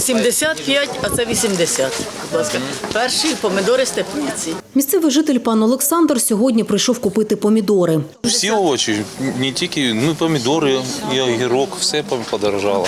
75, а це 80. Будь ласка. Перші помідори з теплиці. Місцевий житель пан Олександр сьогодні прийшов купити помідори. Всі овочі, не тільки помідори, і огірок, все подорожало.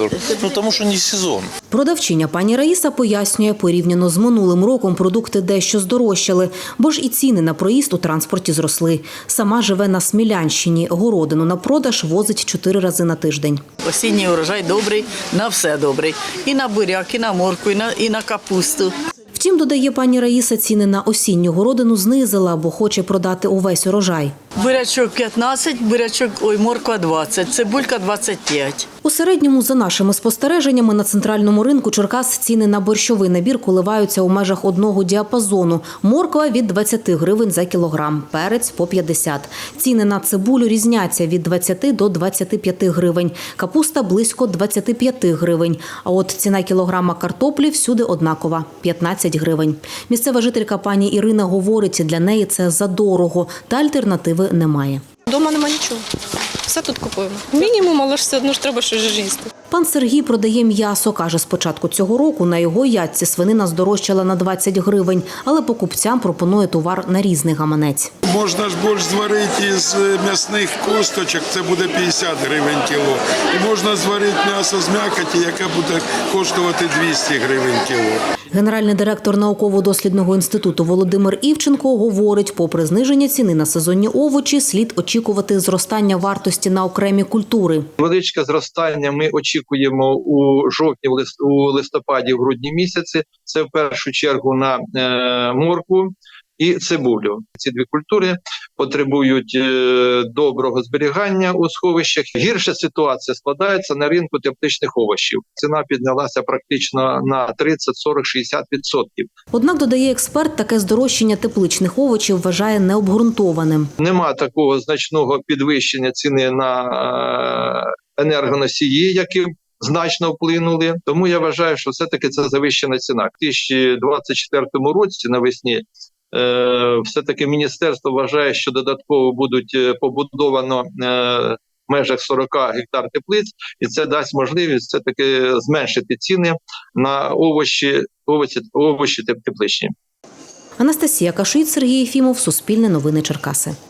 Тому що не сезон. Продавчиня пані Раїса пояснює, порівняно з минулим роком продукти дещо здорожчали, бо ж і ціни на проїзд у транспорті зросли. Сама живе на Смілянщині, городину на продаж возить 4 рази на тиждень. Осінній урожай добрий, на все добрий. І на буряк, і на моркву, і на капусту. Втім, додає пані Раїса, ціни на осінню городину знизила, бо хоче продати увесь урожай. Бурячок 15, морква 20, цибулька 25. У середньому, за нашими спостереженнями, на центральному ринку Черкас ціни на борщовий набір коливаються у межах одного діапазону. Морква – від 20 гривень за кілограм, перець – по 50. Ціни на цибулю різняться від 20 до 25 гривень, капуста – близько 25 гривень. А от ціна кілограма картоплі всюди однакова – 15 гривень. Місцева жителька пані Ірина говорить, для неї це задорого та альтернативи немає. Дома нема нічого. Все тут купуємо. Мінімум, але ж все одно ж треба щось їсти. Пан Сергій продає м'ясо. Каже, з початку цього року на його ятці свинина здорожчала на 20 гривень, але покупцям пропонує товар на різний гаманець. Можна ж борщ зварити із м'ясних косточок, це буде 50 гривень кіло. І можна зварити м'ясо з м'якоті, яке буде коштувати 200 гривень кіло. Генеральний директор науково-дослідного інституту Володимир Івченко говорить, попри зниження ціни на сезонні овочі, слід очікувати зростання вартості на окремі культури. Величке зростання ми очікуємо у жовтні, у листопаді, в грудні місяці. Це в першу чергу на моркву і цибулю. Ці дві культури потребують доброго зберігання у сховищах. Гірша ситуація складається на ринку тепличних овочів. Ціна піднялася практично на 30, 40, 60%. Однак, додає експерт, таке здорожчання тепличних овочів вважає необґрунтованим. Нема такого значного підвищення ціни на енергоносії, які значно вплинули. Тому я вважаю, що все-таки це завищена ціна. У 2024 році навесні все-таки міністерство вважає, що додатково будуть побудовано в межах 40 гектар теплиць, і це дасть можливість все-таки зменшити ціни на овочі тепличні. Анастасія Кашиць, Сергій Єфімов, Суспільне новини Черкаси.